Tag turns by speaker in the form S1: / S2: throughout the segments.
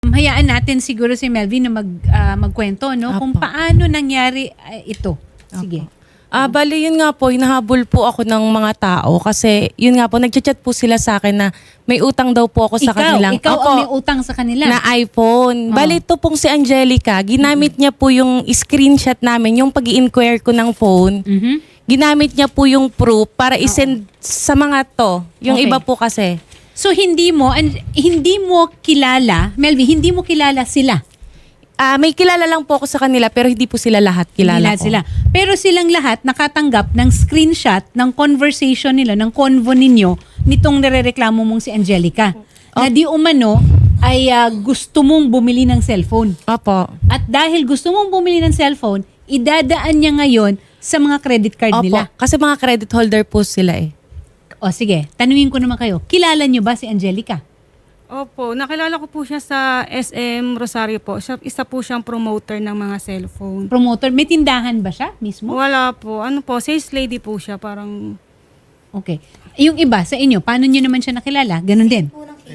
S1: Hayaan natin siguro si Melvin na magkwento, no? Kung
S2: Apo.
S1: paano nangyari ito. Sige.
S2: Bali yun nga po, hinahabol po ako ng mga tao kasi yun nga po, nagchat-chat po sila sa akin na may utang daw po ako sa kanilang.
S1: Ikaw
S2: Opo,
S1: ang may utang sa kanila.
S2: na iPhone. Bali ito pong si Angelica, ginamit niya po yung screenshot namin, yung pag-i-inquire ko ng phone. Ginamit niya po yung proof para isend sa mga to. Yung
S1: Okay.
S2: iba po kasi.
S1: So hindi mo kilala, Melvin, hindi mo kilala sila.
S2: May kilala lang po ako sa kanila pero hindi po sila lahat kilala ko.
S1: Sila. Pero silang lahat nakatanggap ng screenshot ng conversation nila, ng convo ninyo, nitong nirereklamo mong si Angelica. Na di umano ay gusto mong bumili ng cellphone.
S2: Opo.
S1: At dahil gusto mong bumili ng cellphone, idadaan niya ngayon sa mga credit card
S2: Opo.
S1: nila.
S2: Kasi mga credit holder po sila eh.
S1: O sige, tanungin ko naman kayo, kilala niyo ba si Angelica?
S3: Opo, nakilala ko po siya sa SM Rosario po. Isa po siyang promoter ng mga cellphone.
S1: Promoter, may tindahan ba siya mismo?
S3: Wala po. Ano po, sales lady po siya. Parang,
S1: Okay. Yung iba sa inyo, paano niyo naman siya nakilala? Ganun din.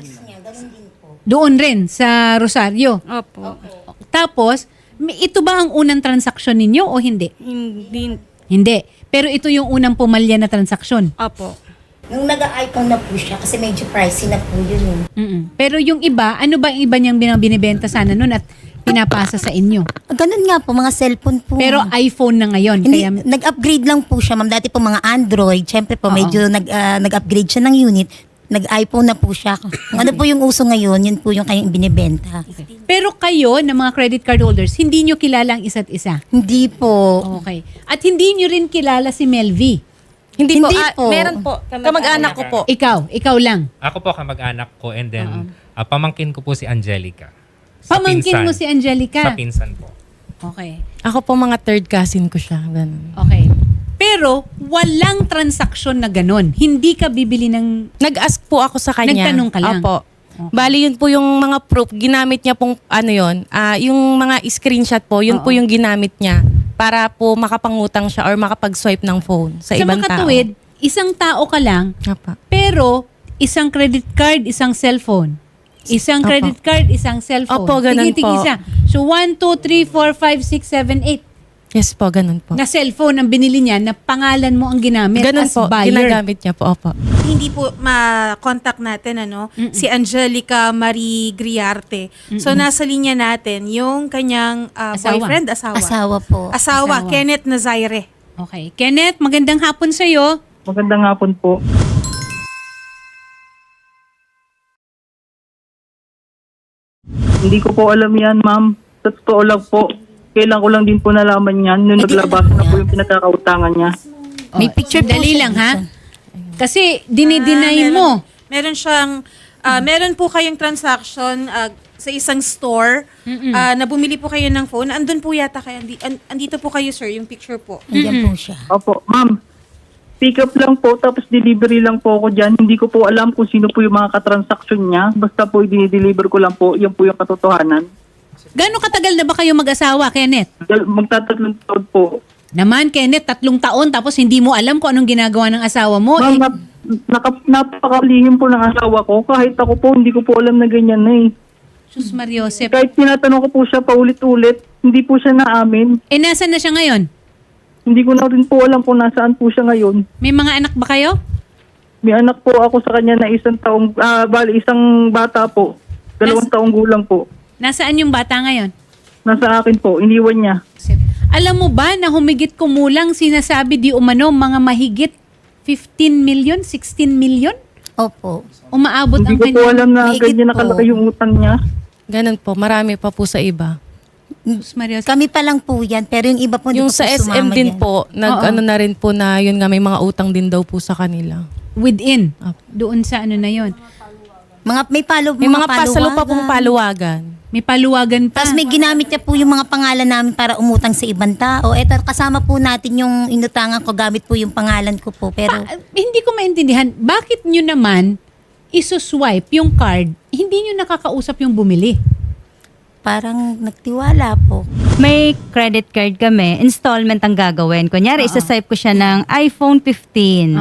S1: Doon rin sa Rosario.
S3: opo,
S1: Tapos, ito ba ang unang transaksyon ninyo o hindi?
S3: hindi,
S1: Hindi. Pero ito yung unang pumalya na transaksyon.
S3: opo.
S4: Nung nag-iPhone na po siya, kasi medyo pricey na po yun.
S1: Pero yung iba, ano ba yung iba niyang binibenta sana nun at pinapasa sa inyo?
S4: Ganun nga po, mga cellphone po.
S1: Pero iPhone na ngayon.
S4: hindi,
S1: Kaya,
S4: nag-upgrade lang po siya, ma'am. Dati po mga Android, syempre po,
S1: Oo.
S4: medyo nag-upgrade siya ng unit. Nag-iPhone na po siya. Kung ano po yung uso ngayon, yun po yung kanyang binibenta.
S1: pero kayo, na mga credit card holders, hindi nyo kilala ang isa't isa.
S4: Hindi po.
S1: Okay. At hindi nyo rin kilala si Melvie.
S2: Hindi,
S4: Hindi
S2: po.
S4: po.
S2: Meron po. Kamag-anak ko po.
S1: Ikaw lang.
S5: Ako po kamag-anak ko and then pamangkin ko po si Angelica.
S1: Pamangkin mo si Angelica.
S5: Sa pinsan po.
S1: Okay.
S2: Ako po mga third cousin ko siya. Ganun.
S1: Okay. Pero walang transaksyon na ganun. Hindi ka bibili ng...
S2: Nag-ask po ako sa kanya.
S1: Nagtanong ka lang?
S2: Opo. Bali yun po yung mga proof. Ginamit niya pong ano yun. Yung mga screenshot po, yun po yung ginamit niya para po makapangutang siya or makapag-swipe ng phone sa ibang tao.
S1: makatuwid, isang tao ka lang,
S2: Apa.
S1: pero isang credit card, isang cellphone. Isang
S2: Opo.
S1: credit card, isang cellphone.
S2: Opo, ganun po.
S1: Tigi-tigisa. So 1, 2, 3, 4, 5, 6, 7, 8
S2: Yes po, ganun po.
S1: na cellphone ang binili niya na pangalan mo ang ginamit
S2: Ganun
S1: as
S2: po,
S1: buyer.
S2: ginagamit niya po. Opo.
S6: Hindi po ma-contact natin si Angelica Marie Griarte. So nasa linya natin yung kanyang
S1: Asawa.
S6: boyfriend, asawa.
S4: Asawa po.
S6: Asawa,
S1: Asawa.
S6: Kenneth Nazaire.
S1: Okay. Kenneth, magandang hapon sa'yo.
S7: Magandang hapon po. Hindi ko po alam yan, ma'am. Sa totoo lang po, kailan ko lang din po nalaman yan nung naglabas na po yung pinagkakautangan niya.
S4: May picture po
S1: Dali
S4: siya
S1: lang ha.
S4: dito.
S1: Kasi dinideny mo.
S6: Meron siyang, meron po kayong transaction sa isang store na bumili po kayo ng phone. Andun po yata kayo. Andito po kayo, sir, yung picture po.
S4: Nandiyan po siya.
S7: Opo, ma'am. Pick up lang po, tapos delivery lang po ako dyan. Hindi ko po alam kung sino po yung mga katransaksyon niya. Basta po, i-deliver ko lang po. Yan po yung katotohanan.
S1: Gano'ng katagal na ba kayo mag-asawa, Kenneth?
S7: Magtatatlong taon po.
S1: Naman, Kenneth, 3 taon tapos hindi mo alam kung anong ginagawa ng asawa mo.
S7: Ma'am, napakalihim po ng asawa ko. Kahit ako po, hindi ko po alam na ganyan na eh.
S1: Sus Mariosep.
S7: Kahit tinatanong ko po siya paulit-ulit, hindi po siya naamin.
S1: Nasaan na siya ngayon?
S7: Hindi ko na rin po alam kung nasaan po siya ngayon.
S1: May mga anak ba kayo?
S7: May anak po ako sa kanya na isang bata po. 2 taong gulang po.
S1: Nasaan yung bata ngayon?
S7: Nasa akin po, iniwan niya.
S1: Alam mo ba na humigit kumulang sinasabi di umano mga mahigit 15 million, 16 million?
S4: Opo.
S1: Umaabot
S7: Hindi
S1: ang
S7: ko po alam na
S4: mahigit
S7: ganyan
S4: po.
S7: nakalaki yung utang niya.
S2: Ganun po, marami pa po sa iba.
S1: Sus Mariosep.
S4: Kami pa lang po yan, pero yung iba po hindi
S2: Yung
S4: pa
S2: sa
S4: po
S2: SM
S4: sumama
S2: din
S4: yan.
S2: po, ano na rin po na yun nga may mga utang din daw po sa kanila.
S1: Within.
S2: Apo.
S1: Doon sa ano na yon.
S4: May
S2: May mga pasalo pa pong paluwagan.
S1: May paluwagan pa.
S4: Tapos may ginamit niya po yung mga pangalan namin para umutang sa ibang tao. Eto, kasama po natin yung inutangan ko, gamit po yung pangalan ko po. Pero
S1: Hindi ko maintindihan, bakit nyo naman isuswipe yung card, hindi nyo nakakausap yung bumili?
S4: parang nagtiwala po.
S8: May credit card kami, installment ang gagawin. Kunyari, isa-swipe ko siya ng iPhone 15.
S1: Oh.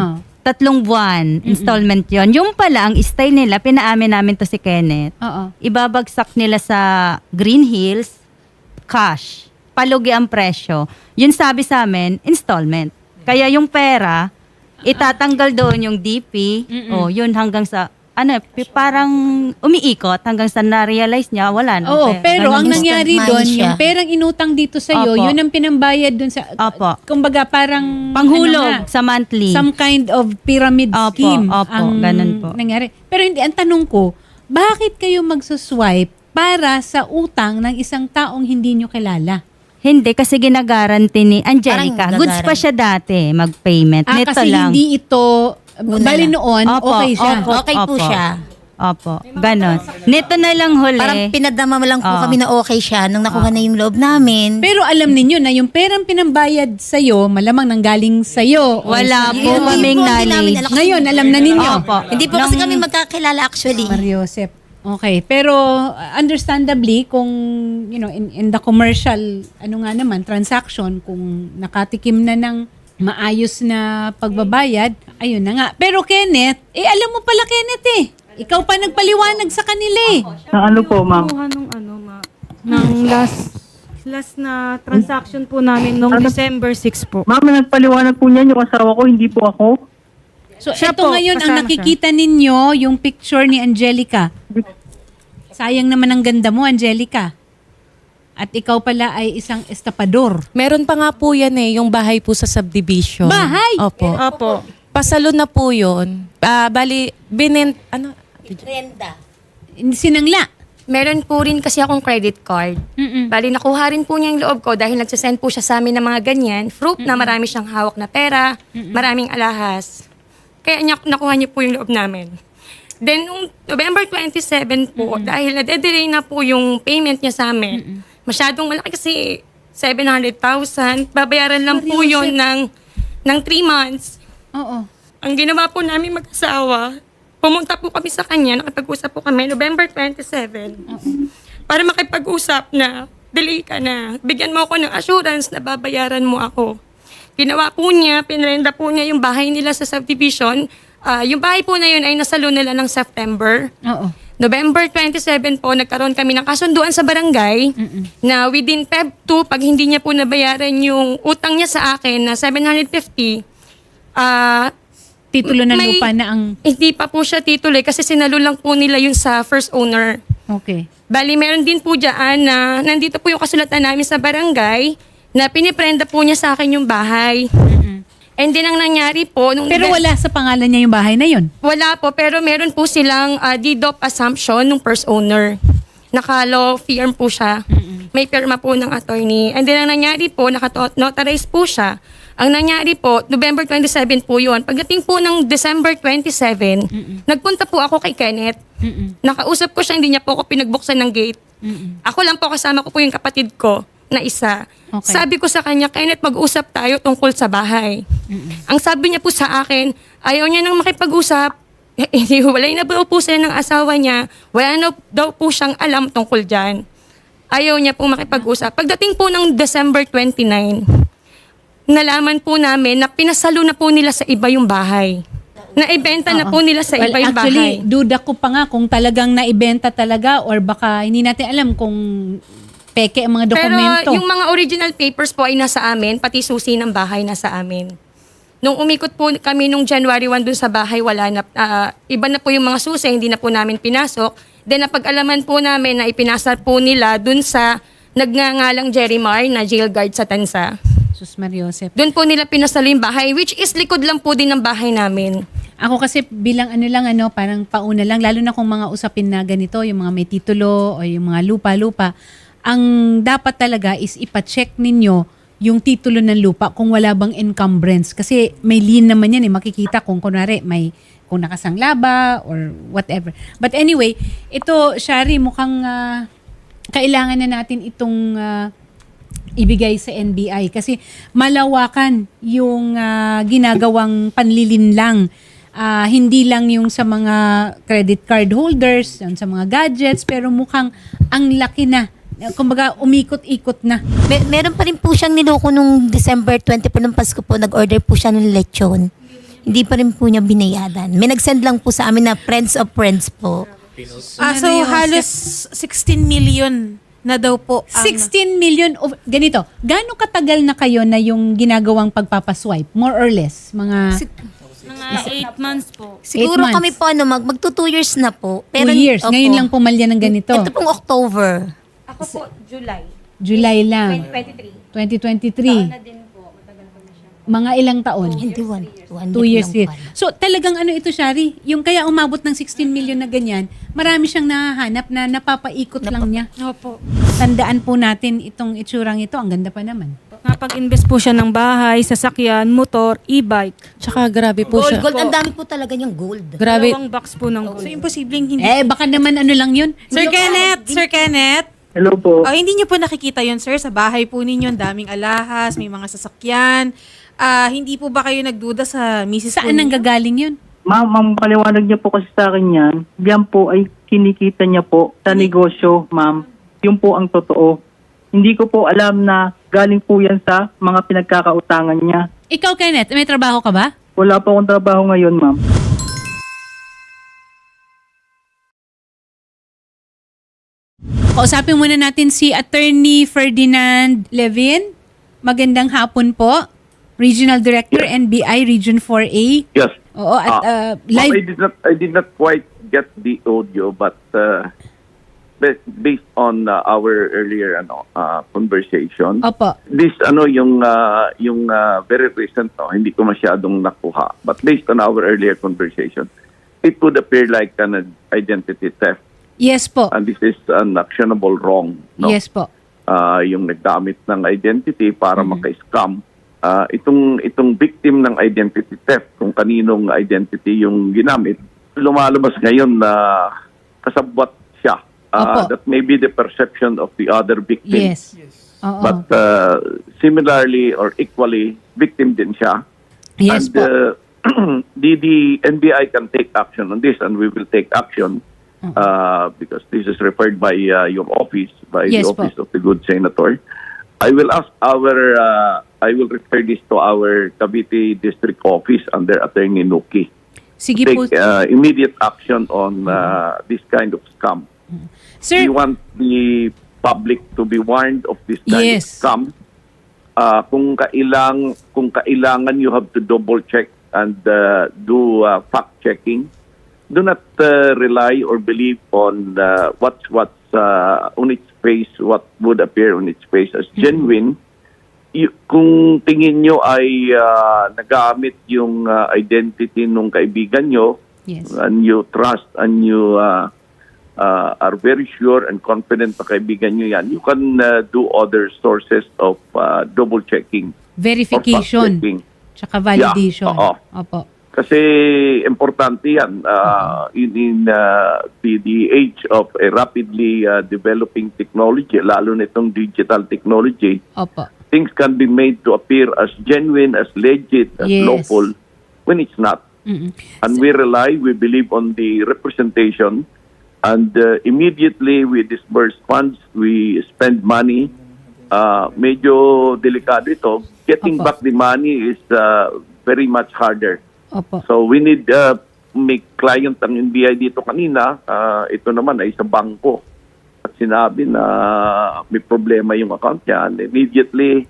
S8: 3 buwan, installment yon. Yung pala, ang stay nila, pinaamin namin to si Kenneth.
S1: Oo.
S8: Ibabagsak nila sa Green Hills, cash. Palugi ang presyo. Yun sabi sa amin, installment. Kaya yung pera, itatanggal doon yung DP, o yun hanggang sa, parang umiikot hanggang sa na-realize niya, wala na.
S1: Oo, pero ang
S4: Ganun,
S1: nangyari
S4: instant
S1: doon,
S4: money siya.
S1: yung perang inutang dito sa iyo,
S8: Opo.
S1: yun ang pinambayad doon sa
S8: Opo.
S1: kumbaga parang
S8: Panghulog
S1: nga,
S8: sa monthly.
S1: some kind of pyramid
S8: Opo,
S1: scheme
S8: opo,
S1: ang
S8: ganun po.
S1: nangyari. Pero hindi, ang tanong ko, bakit kayo magsuswipe para sa utang ng isang taong hindi nyo kilala?
S8: Hindi, kasi ginagaranti ni Angelica.
S4: Parang
S8: Goods pa siya dati, mag-payment. Nito
S1: Kasi
S8: lang.
S1: hindi ito, bali noon,
S8: Opo,
S1: okay siya.
S8: opo.
S4: Okay po siya.
S8: Opo, ganon. Nito na lang huli.
S4: Parang pinadama mo lang po
S8: Oo.
S4: kami na okay siya nung nakuha na yung loob namin.
S1: Pero alam ninyo na yung perang pinambayad sa'yo, malamang nanggaling sa'yo. o
S8: Wala
S1: sa-
S8: po
S4: Hindi
S8: kaming
S4: po, hindi namin
S8: knowledge.
S4: alam.
S1: Ngayon, alam na ninyo.
S8: Opo.
S4: Hindi po kasi kami magkakilala actually.
S1: Mariosep. Okay, pero understandably kung in the commercial transaction, kung nakatikim na ng maayos na pagbabayad, ayun na nga. Pero Kenneth, alam mo pala Kenneth ikaw pa nagpaliwanag sa kanila
S7: Na ano po, ma'am?
S3: Kuha ng last na transaction po namin nung December 6 po.
S7: Ma'am, nagpaliwanag po niyan yung asawa ko, hindi po ako.
S1: So
S3: Siya
S1: ito
S3: po,
S1: ngayon ang
S3: kasama
S1: nakikita ninyo, yung picture ni Angelica. Sayang naman ang ganda mo, Angelica. At ikaw pala ay isang estapador.
S2: Meron pa nga po yan yung bahay po sa subdivision.
S1: Bahay?
S2: Opo.
S3: Opo.
S2: Pasalo na po yun. Bali,
S4: Renda.
S1: Sinangla.
S9: Meron po rin kasi akong credit card. Bali, nakuha rin po niya yung loob ko dahil nagsasend po siya sa amin ng mga ganyan. Proof na marami siyang hawak na pera, maraming alahas. Kaya nakuha niya po yung loob namin. Then, nung November 27 po, dahil nade-delay na po yung payment niya sa amin, masyadong malaki kasi 700,000. Babayaran lang po yun ng 3 months.
S1: Oo.
S9: Ang ginawa po namin mag-asawa, pumunta po kami sa kanya, nakipag-usap po kami November 27 para makipag-usap na delay ka na. Bigyan mo ako ng assurance na babayaran mo ako. Ginawa po niya, pinrenda po niya yung bahay nila sa subdivision. Yung bahay po na yun ay nasalo nila ng September.
S1: Oo.
S9: November 27 po, nagkaroon kami ng kasunduan sa barangay na within Feb 2, pag hindi niya po nabayaran yung utang niya sa akin na 750,
S1: Titulo ng
S9: may-
S1: lupa na ang...
S9: hindi pa po siya tituloy kasi sinalo lang po nila yung sa first owner.
S1: Okay.
S9: Bali, meron din po dyan na nandito po yung kasulatan namin sa barangay na piniprenda po niya sa akin yung bahay. And then ang nangyari po... Nung
S1: Pero wala sa pangalan niya yung bahay na yun.
S9: Wala po, pero meron po silang deed of assumption ng first owner. Naka-law firm po siya. May pirma po ng attorney. And then ang nangyari po, naka-notarize po siya. Ang nangyari po, November 27 po yun. Pagdating po ng December 27, nagpunta po ako kay Kenneth. Nakausap ko siya, hindi niya po ako pinagbuksan ng gate. Ako lang po, kasama ko po yung kapatid ko na isa.
S1: Okay.
S9: Sabi ko sa kanya, Kenneth, mag-usap tayo tungkol sa bahay. Ang sabi niya po sa akin, ayaw niya nang makipag-usap. Hiwalay na daw po sila ng asawa niya. Wala na daw po siyang alam tungkol dyan. Ayaw niya po makipag-usap. Pagdating po ng December 29, nalaman po namin na pinasalo na po nila sa iba yung bahay. Naibenta na po nila sa iba yung
S1: actually,
S9: bahay.
S1: duda ko pa nga kung talagang naibenta talaga or baka hindi natin alam kung peke ang mga dokumento.
S9: Pero yung mga original papers po ay nasa amin, pati susi ng bahay nasa amin. Nung umikot po kami nung January 1 dun sa bahay, wala na, iba na po yung mga susi, hindi na po namin pinasok. Then napag-alaman po namin na ipinasa po nila dun sa nagngangalang Jerrymar na jail guard sa Tansa.
S1: Sus Mariosep.
S9: Doon po nila pinasalo yung bahay, which is likod lang po din ng bahay namin.
S1: Ako kasi bilang parang pauna lang, lalo na kung mga usapin na ganito, yung mga may titulo o yung mga lupa-lupa, ang dapat talaga is ipacheck ninyo yung titulo ng lupa kung wala bang encumbrance. Kasi may lien naman yan makikita kung kunwari kung nakasangla ba or whatever. But anyway, ito, Shari, mukhang kailangan na natin itong ibigay sa NBI kasi malawakan yung ginagawang panlilinlang. Hindi lang yung sa mga credit card holders, yung sa mga gadgets, pero mukhang ang laki na. Kumbaga, umikot-ikot na.
S4: Meron pa rin po siyang niloko nung December 20 po, nung Pasko po, nag-order po siya ng lechon. Hindi pa rin po niya binayadan. May nag-send lang po sa amin na friends of friends po.
S6: So halos 16 million na daw po ang...
S1: 16 million of... Ganito, gaano katagal na kayo na yung ginagawang pagpapaswipe? More or less? Mga
S3: Mga 8 months po.
S4: Siguro
S1: 8 months.
S4: kami po magto 2 years na po.
S1: 2 years.
S4: opo.
S1: Ngayon lang pumalya ng ganito.
S4: Ito pong October.
S9: Ako po, July.
S1: July lang. 2023.
S9: 2023. Din po, matagal po na siya.
S1: Mga ilang taon?
S4: Hindi, 1
S1: 2 years
S4: lang
S1: din.
S4: pala.
S1: So talagang ano ito, Shari? Yung kaya umabot ng 16 million na ganyan, marami siyang nahahanap na napapaikot lang niya.
S3: Opo.
S1: Tandaan po natin itong itsurang ito. Ang ganda pa naman.
S3: Napag-invest po siya ng bahay, sasakyan, motor, e-bike.
S2: Tsaka grabe po
S4: Gold,
S2: siya.
S4: gold. Ang dami po talaga niyang gold.
S2: Grabe.
S3: 2 box po ng gold.
S6: So imposibleng hindi...
S1: Baka naman ano lang yun.
S6: Sir Kenneth.
S7: Hello po.
S6: Hindi niyo po nakikita yon sir, sa bahay po ninyo, ang daming alahas, may mga sasakyan. Hindi po ba kayo nagduda sa misis po
S1: Saan nang
S6: ninyo?
S1: gagaling yun?
S7: Ma'am, paliwanag niya po kasi sa akin yan. Yan po ay kinikita niya po sa negosyo, ma'am. Yun po ang totoo. Hindi ko po alam na galing po yan sa mga pinagkakautangan niya.
S1: Ikaw, Kenneth, may trabaho ka ba?
S7: Wala po akong trabaho ngayon, ma'am.
S1: Kausapin muna natin si Attorney Ferdinand Levin. Magandang hapon po. Regional Director, NBI Region 4A.
S10: Yes.
S1: Oo, at
S10: Ma'am,
S1: live.
S10: I did not quite get the audio, but based on our earlier conversation,
S1: Opo.
S10: this yung very recent, hindi ko masyadong nakuha. But based on our earlier conversation, it would appear like an identity theft,
S1: Yes po.
S10: and this is an actionable wrong. No?
S1: Yes po.
S10: Yung nagdamit ng identity para maka-scam. Itong victim ng identity theft, kung kaninong identity yung ginamit, lumalabas ngayon na kasabwat siya.
S1: Opo.
S10: That may be the perception of the other victim.
S1: Yes. Oo.
S10: But similarly or equally, victim din siya.
S1: Yes
S10: And
S1: po.
S10: the NBI can take action on this, and we will take action because this is referred by your office, by
S1: Yes
S10: the
S1: po.
S10: office of the good senator. I will ask I will refer this to our Cavite District Office under Attorney Nuki.
S1: Sige
S10: Take
S1: po.
S10: immediate action on this kind of scam.
S1: Sir,
S10: We want the public to be warned of this kind
S1: Yes.
S10: of scam. Kung kailangan, you have to double check and do fact checking. Do not rely or believe on what's on its face, what would appear on its face as genuine. Kung tingin nyo ay nagamit yung identity nung kaibigan nyo,
S1: yes.
S10: and you trust and you are very sure and confident na kaibigan nyo yan, you can do other sources of double checking.
S1: Verification.
S10: fact-checking.
S1: Tsaka validation.
S10: Yeah, oo.
S1: Opo.
S10: Kasi importante yan in the age of a rapidly developing technology, lalo na itong digital technology.
S1: Opo.
S10: Things can be made to appear as genuine, as legit, as
S1: Yes.
S10: lawful when it's not.
S1: Mm-mm.
S10: And we believe on the representation, and immediately we disburse funds, we spend money. Medyo delikado ito. Getting
S1: Opo.
S10: back the money is very much harder.
S1: Opo.
S10: So we need may client ang NBI dito kanina, ito naman ay sa bangko. At sinabi na may problema yung account niya. And immediately,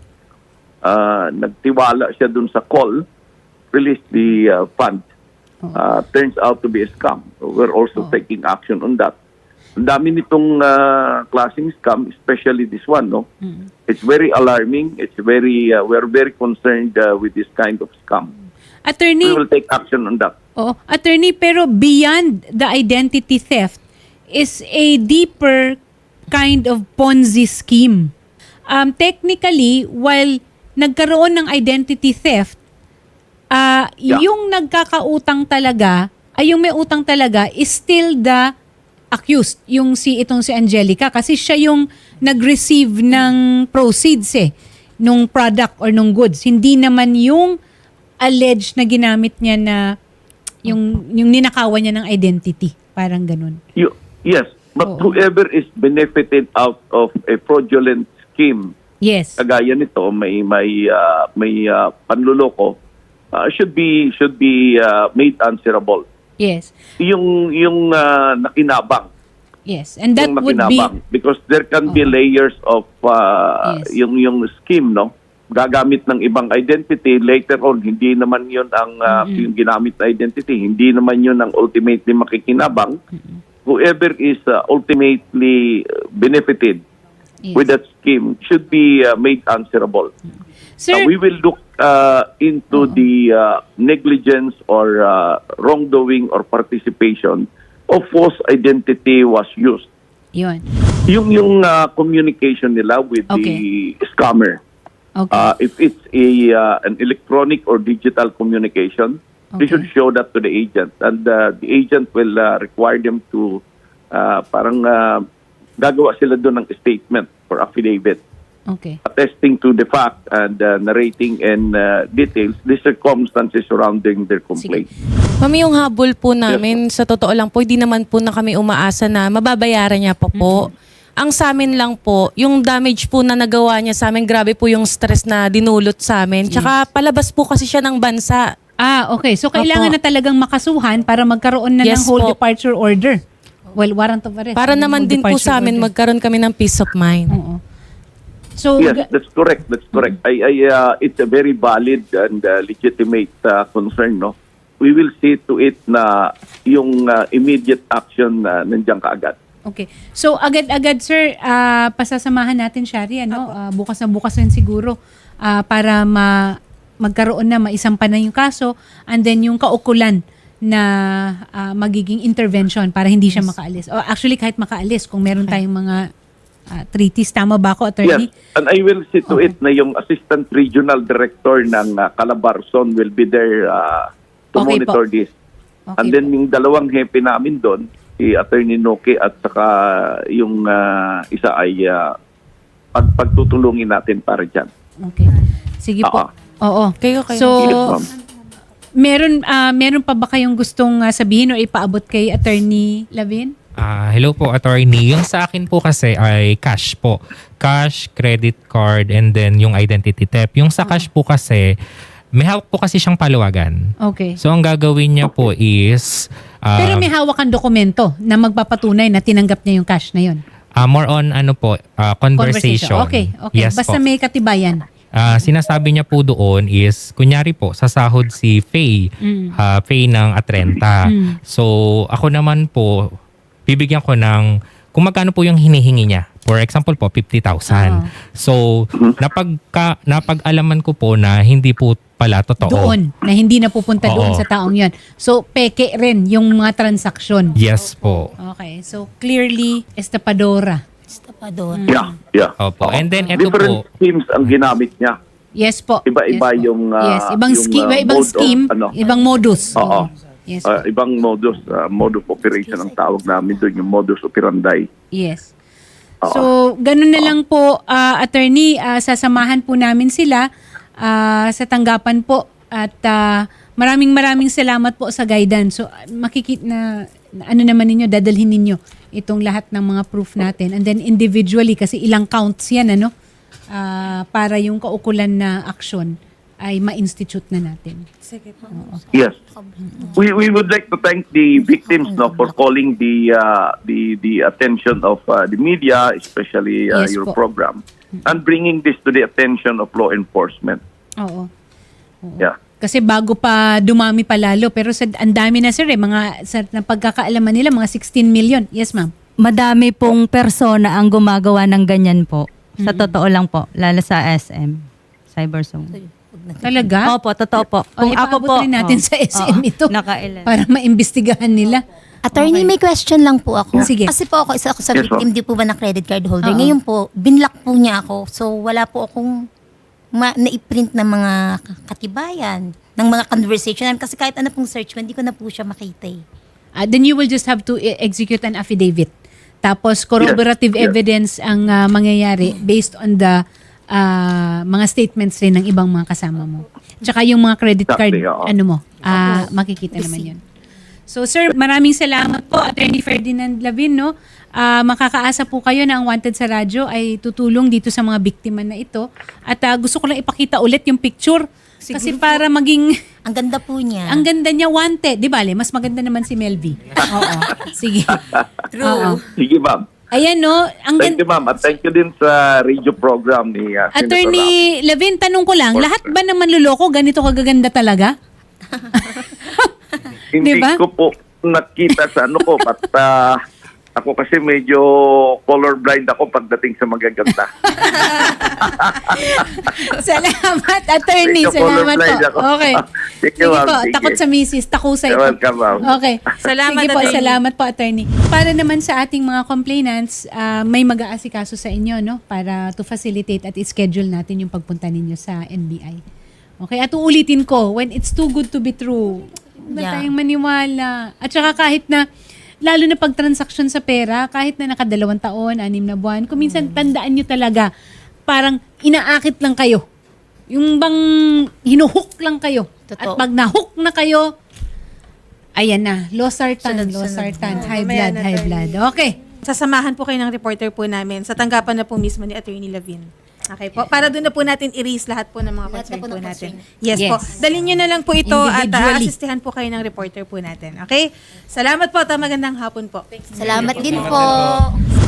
S10: nagtiwala siya dun sa call, release the fund. Turns out to be a scam. So we're also taking action on that. Ang dami nitong klaseng scam, especially this one. No, it's very alarming. It's we're very concerned with this kind of scam.
S1: Attorney,
S10: We will take action on that.
S1: Oo. Attorney, pero beyond the identity theft is a deeper kind of Ponzi scheme. Technically, while nagkaroon ng identity theft, yung nagkakautang talaga, yung may utang talaga is still the accused, itong si Angelica, kasi siya yung nag-receive ng proceeds nung product or nung goods. Hindi naman yung alleged na ginamit niya na yung ninakawan niya ng identity. Parang ganun.
S10: Yes, but whoever is benefited out of a fraudulent scheme,
S1: Yes.
S10: kagaya nito, may panluloko, should be made answerable.
S1: Yes.
S10: Yung nakinabang.
S1: Yes. And that
S10: Yung
S1: would be...
S10: makinabang. Because there can be layers of
S1: Yes.
S10: yung scheme, no? Gagamit ng ibang identity, later on, hindi naman yun ang yung ginamit na identity, hindi naman yun ang ultimately makikinabang. Whoever is ultimately benefited
S1: Yes.
S10: with that scheme should be made answerable.
S1: Sir,
S10: We will look into the negligence or wrongdoing or participation of false identity was used.
S1: yun.
S10: Yung communication nila with
S1: Okay.
S10: the scammer.
S1: Okay.
S10: If it's an electronic or digital communication, they
S1: Okay.
S10: should show that to the agent, and the agent will require them to gagawa sila doon ng statement or affidavit
S1: Okay.
S10: attesting to the fact and narrating in details the circumstances surrounding their complaint.
S2: Mami, yung habol po namin, sa totoo lang po, hindi naman po na kami umaasa na mababayaran niya pa po. Ang sa amin lang po, yung damage po na nagawa niya sa amin, grabe po yung stress na dinulot sa amin. Tsaka palabas po kasi siya ng bansa.
S1: Okay. So, kailangan
S2: Opo.
S1: na talagang makasuhan para magkaroon na ng
S2: Yes
S1: whole
S2: po.
S1: departure order. Well, warrant of arrest.
S2: Para
S1: and
S2: naman
S1: whole
S2: din po
S1: departure
S2: sa amin,
S1: order.
S2: magkaroon kami ng peace of mind.
S1: Oo. So,
S10: Yes, that's correct. That's correct. It's a very valid and legitimate concern, no? We will see to it na yung immediate action nandiyan kaagad.
S1: okay. So, agad-agad, sir, pasasamahan natin, Shari, ano? Bukas na bukas rin siguro para magkaroon na, maisampa na yung kaso, and then yung kaukulan na magiging intervention para hindi siya makaalis. O actually, kahit makaalis, kung meron tayong mga treaties, tama ba ako, attorney?
S10: Yes, and I will see to it na yung Assistant Regional Director ng Calabarzon will be there to
S1: Okay
S10: monitor
S1: po.
S10: this.
S1: Okay
S10: And then yung dalawang hepe namin doon, si Attorney Noke at saka yung isa ay pagtutulungin natin para dyan.
S1: Okay. Sige po. Oo.
S2: Kayo.
S1: So,
S10: Yes, ma'am.
S1: meron pa ba kayong gustong sabihin o ipaabot kay Attorney Lavin?
S5: Hello po, attorney. Yung sa akin po kasi ay cash po. Cash, credit card, and then yung identity theft. Yung sa cash po kasi, may hawak po kasi siyang paluwagan.
S1: Okay.
S5: So ang gagawin niya po is...
S1: Pero may hawak kang dokumento na magpapatunay na tinanggap niya yung cash na yun.
S5: more on conversation.
S1: Okay.
S5: Yes
S1: Basta
S5: po.
S1: may katibayan.
S5: Sinasabi niya po doon is, kunyari po, sasahod si Faye, Faye ng Atrenta. So, ako naman po, bibigyan ko ng, kung magkano po yung hinihingi niya. For example po, 50,000. So, napag-alaman ko po na hindi po pala totoo.
S1: Doon, na hindi na pupunta doon
S5: Oo.
S1: sa taong yun. So, peke rin yung mga transaksyon.
S5: Yes po.
S1: Okay. So, clearly, estapadora.
S4: Estapador.
S10: Yeah.
S5: Opo. And then, eto
S10: Different
S5: po,
S10: schemes ang ginamit niya.
S1: Yes po.
S10: Iba-iba
S1: Yes po.
S10: yung,
S1: yes, ibang
S10: yung,
S1: scheme, ibang
S10: mode of,
S1: scheme, ibang modus.
S10: Oo.
S1: Yes po.
S10: Ibang modus operation ang tawag namin doon, yung modus operandi.
S1: Yes. So, ganun na lang po, attorney, sasamahan po namin sila sa tanggapan po at maraming salamat po sa guidance. So, makikita na ano naman ninyo, dadalhin ninyo itong lahat ng mga proof natin. And then individually, kasi ilang counts yan, ano? Para yung kaukulan na action ay ma-institute na natin.
S6: Sige po.
S10: Yes. We would like to thank the victims for calling the attention of the media, especially
S1: Yes
S10: your
S1: po.
S10: program, and bringing this to the attention of law enforcement.
S1: Oo.
S10: Yeah.
S1: Kasi bago pa dumami pa lalo, pero ang dami na sir sa napagkakaalaman nila, mga 16 million. Yes ma'am.
S8: Madami pong persona ang gumagawa ng ganyan po. Sa totoo lang po, lalo sa SM, Cyberzone.
S1: Talaga?
S8: Opo, totoo po.
S1: Kung ako po, rin natin sa SM ito
S8: nakailan.
S1: para maimbestigahan nila.
S4: Attorney, may question lang po ako.
S1: Sige.
S4: Kasi po isa ako sa
S10: Yes,
S4: victim, di po ba na credit card holder. Ngayon po, binlock po niya ako. So, wala po akong na-print na mga katibayan, ng mga conversation. Kasi kahit ano pong search ko, hindi ko na po siya makita eh.
S1: Then you will just have to execute an affidavit. Tapos corroborative
S10: Yes.
S1: evidence ang mangyayari based on the mga statements rin ng ibang mga kasama mo. Tsaka yung mga credit card,
S10: Exactly, oo.
S1: ano mo, makikita naman yun. So sir, maraming salamat po, Attorney Ferdinand Lavin, no? Makakaasa po kayo na ang Wanted sa Radyo ay tutulong dito sa mga biktima na ito. At gusto ko lang ipakita ulit yung picture Kasi para maging
S4: Ang ganda po niya.
S1: ang ganda niya wanted, 'di ba? Mas maganda naman si Melvie. Oo. Sige. Oo.
S10: Sige, ma'am.
S1: Ayan no, ang
S10: Thank you, ma'am. At thank you din sa radio program ni Senator Rafi.
S1: Attorney Levin, tanong ko lang, lahat ba naman luloko ganito kagaganda talaga?
S10: Hindi
S1: Diba?
S10: ko po nakita sa ano ko, but ako kasi medyo colorblind ako pagdating sa magaganda.
S1: Salamat, attorney.
S10: Medyo
S1: Salamat
S10: colorblind
S1: po.
S10: ako.
S1: Okay.
S10: Sige,
S1: Sige
S10: ma'am.
S1: po,
S10: Sige.
S1: takot sa misis, takusay
S10: You're
S1: po.
S10: welcome, ma'am.
S1: Okay.
S6: Salamat,
S1: Sige po,
S6: attorney.
S1: salamat po, attorney. Para naman sa ating mga complainants, may mag-aasikaso sa inyo, no? Para to facilitate at i-schedule natin yung pagpunta ninyo sa NBI. Okay, at uulitin ko, when it's too good to be true, ba
S4: Yeah.
S1: tayong maniwala? At saka kahit na, lalo na pag transaction sa pera, kahit na naka 2 taon, 6 na buwan, kung minsan tandaan nyo talaga, parang inaakit lang kayo. Yung bang hinuhook lang kayo. At
S4: Totoo.
S1: pag nahook na kayo, ayan na, losartan,
S4: Sunod-sunod.
S1: losartan, high
S6: Mamaya
S1: blood,
S6: na,
S1: high
S6: attorney.
S1: blood. Okay.
S6: Sasamahan po kayo ng reporter po namin sa tanggapan na po mismo ni Attorney Levin. Okay po. Para doon na po natin i-raise lahat po ng mga
S4: Lahat
S6: concern
S4: na po
S6: po
S4: ng
S6: natin.
S4: concern.
S6: Yes,
S1: Yes.
S6: po. Dalhin nyo na lang po ito at
S1: Individually.
S6: aasistihan po kayo ng reporter po natin. Okay? Salamat po at magandang hapon po.
S4: Salamat din po.